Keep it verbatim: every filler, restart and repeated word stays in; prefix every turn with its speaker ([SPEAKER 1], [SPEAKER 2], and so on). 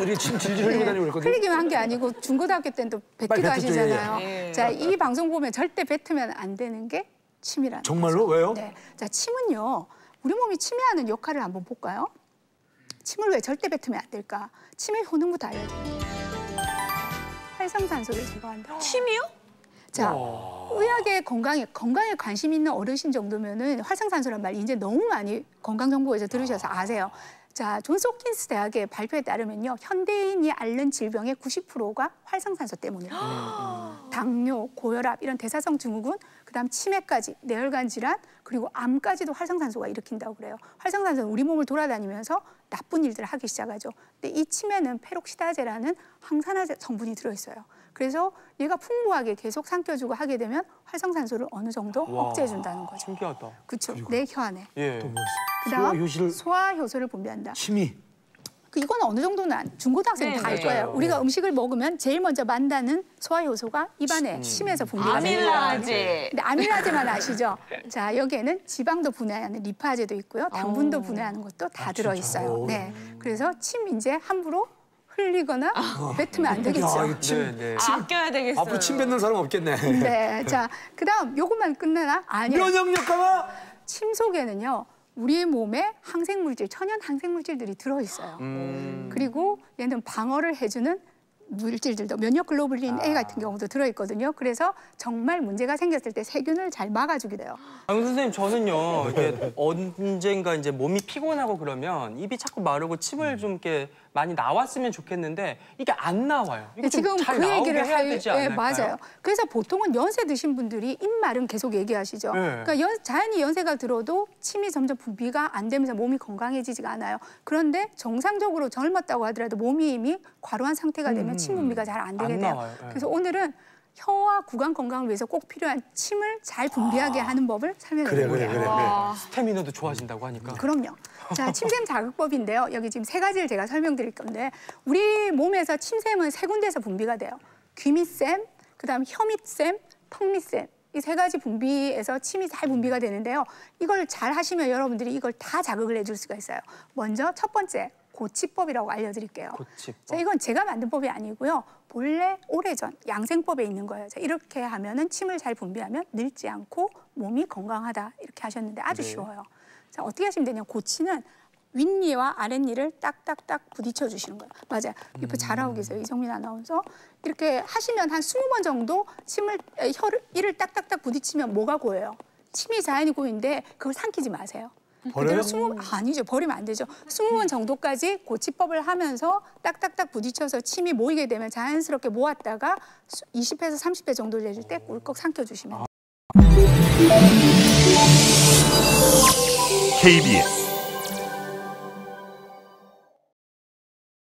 [SPEAKER 1] 애들이 침 질질 흘리고 다니고 그랬거든요.
[SPEAKER 2] 흘리기만 한 게 아니고 중고등학교 때는 또 뱉기도 하시잖아요. 예. 자, 이 방송 보면 절대 뱉으면 안 되는 게 침이라는
[SPEAKER 1] 정말로?
[SPEAKER 2] 거죠.
[SPEAKER 1] 왜요?
[SPEAKER 2] 네. 자, 침은요. 우리 몸이 침해하는 역할을 한번 볼까요? 침을 왜 절대 뱉으면 안 될까? 침의 효능부터 알려드립니다. 활성산소를 제거한다.
[SPEAKER 3] 침이요?
[SPEAKER 2] 자, 의학에 건강에 건강에 관심 있는 어르신 정도면은 활성산소란 말 이제 너무 많이 건강정보에서 들으셔서 아세요. 자, 존스 홉킨스 대학의 발표에 따르면요, 현대인이 앓는 질병의 구십 퍼센트가 활성산소 때문이에요. 당뇨, 고혈압 이런 대사성 증후군, 그다음 치매까지, 뇌혈관 질환, 그리고 암까지도 활성산소가 일으킨다고 그래요. 활성산소는 우리 몸을 돌아다니면서 나쁜 일들을 하기 시작하죠. 근데 이 침에는 페록시다제라는 항산화제 성분이 들어있어요. 그래서 얘가 풍부하게 계속 삼켜주고 하게 되면 활성산소를 어느 정도 억제해준다는 거죠.
[SPEAKER 4] 신기하다.
[SPEAKER 2] 그렇죠. 내 혀 안에.
[SPEAKER 4] 예.
[SPEAKER 2] 그다음
[SPEAKER 1] 소화 효시를
[SPEAKER 2] 소화 효소를 분비한다.
[SPEAKER 1] 침이.
[SPEAKER 2] 그 이건 어느 정도는 안, 중고등학생 다 알 거예요. 우리가 음식을 먹으면 제일 먼저 만다는 소화 효소가 입안에 음. 침에서 분비가 돼요.
[SPEAKER 3] 아밀라제.
[SPEAKER 2] 근데 아밀라제만 아시죠? 자, 여기에는 지방도 분해하는 리파제도 있고요. 당분도 오. 분해하는 것도 다 아, 들어 있어요. 네. 그래서 침 이제 함부로 흘리거나 아. 뱉으면 안 되겠죠.
[SPEAKER 1] 야, 침,
[SPEAKER 4] 네, 네.
[SPEAKER 1] 침,
[SPEAKER 3] 아껴야 되겠어요.
[SPEAKER 1] 앞으로 침 뱉는 사람 없겠네.
[SPEAKER 2] 네. 자, 그다음 요것만 끝내나? 아니요.
[SPEAKER 1] 면역력 강화.
[SPEAKER 2] 침 속에는요. 우리 몸에 항생물질, 천연 항생물질들이 들어있어요. 음. 그리고 얘는 방어를 해주는 물질들도 면역 글로불린 A 같은 경우도 들어있거든요. 그래서 정말 문제가 생겼을 때 세균을 잘 막아주게 돼요.
[SPEAKER 4] 아, 선생님 저는요 이게 언젠가 이제 몸이 피곤하고 그러면 입이 자꾸 마르고 침을 좀 이렇게 많이 나왔으면 좋겠는데 이게 안 나와요. 이거
[SPEAKER 2] 지금
[SPEAKER 4] 좀 잘
[SPEAKER 2] 그
[SPEAKER 4] 나오게
[SPEAKER 2] 얘기를
[SPEAKER 4] 해야
[SPEAKER 2] 할,
[SPEAKER 4] 되지
[SPEAKER 2] 예,
[SPEAKER 4] 않을까요?
[SPEAKER 2] 맞아요. 그래서 보통은 연세 드신 분들이 입마름 계속 얘기하시죠.
[SPEAKER 4] 네.
[SPEAKER 2] 그러니까 연, 자연히 연세가 들어도 침이 점점 분비가 안 되면서 몸이 건강해지지가 않아요. 그런데 정상적으로 젊었다고 하더라도 몸이 이미 과로한 상태가 되면
[SPEAKER 4] 음,
[SPEAKER 2] 침 분비가 잘 안 되게
[SPEAKER 4] 안
[SPEAKER 2] 돼요.
[SPEAKER 4] 나와요. 네.
[SPEAKER 2] 그래서 오늘은 혀와 구강 건강을 위해서 꼭 필요한 침을 잘 분비하게 아. 하는 법을 설명드립니다.
[SPEAKER 1] 그래, 그래, 그래.
[SPEAKER 4] 아, 스태미너도 좋아진다고 하니까.
[SPEAKER 2] 그럼요. 자, 침샘 자극법인데요. 여기 지금 세 가지를 제가 설명드릴 건데 우리 몸에서 침샘은 세 군데에서 분비가 돼요. 귀밑샘, 그다음 혀밑샘, 턱밑샘. 이 세 가지 분비에서 침이 잘 분비가 되는데요. 이걸 잘 하시면 여러분들이 이걸 다 자극을 해줄 수가 있어요. 먼저 첫 번째, 고치법이라고 알려드릴게요.
[SPEAKER 4] 고치법.
[SPEAKER 2] 자, 이건 제가 만든 법이 아니고요. 본래 오래전 양생법에 있는 거예요. 자, 이렇게 하면은 침을 잘 분비하면 늙지 않고 몸이 건강하다 이렇게 하셨는데 아주 네. 쉬워요. 자, 어떻게 하시면 되냐? 고치는 윗니와 아랫니를 딱딱딱 부딪혀 주시는 거예요. 맞아요. 이거 잘하고 계세요, 이정민 아나운서. 이렇게 하시면 한 스무 번 정도 침을 혀를 이를 딱딱딱 부딪히면 뭐가 고여요? 침이 자연히 고이는데 그걸 삼키지 마세요.
[SPEAKER 1] 버려요?
[SPEAKER 2] 스무 아니죠. 버리면 안 되죠. 스무 번 정도까지 고치법을 하면서 딱딱딱 부딪혀서 침이 모이게 되면 자연스럽게 모았다가 이십 회에서 삼십 회 정도 되실 때 꿀꺽 삼켜주시면 돼요.
[SPEAKER 5] 케이비에스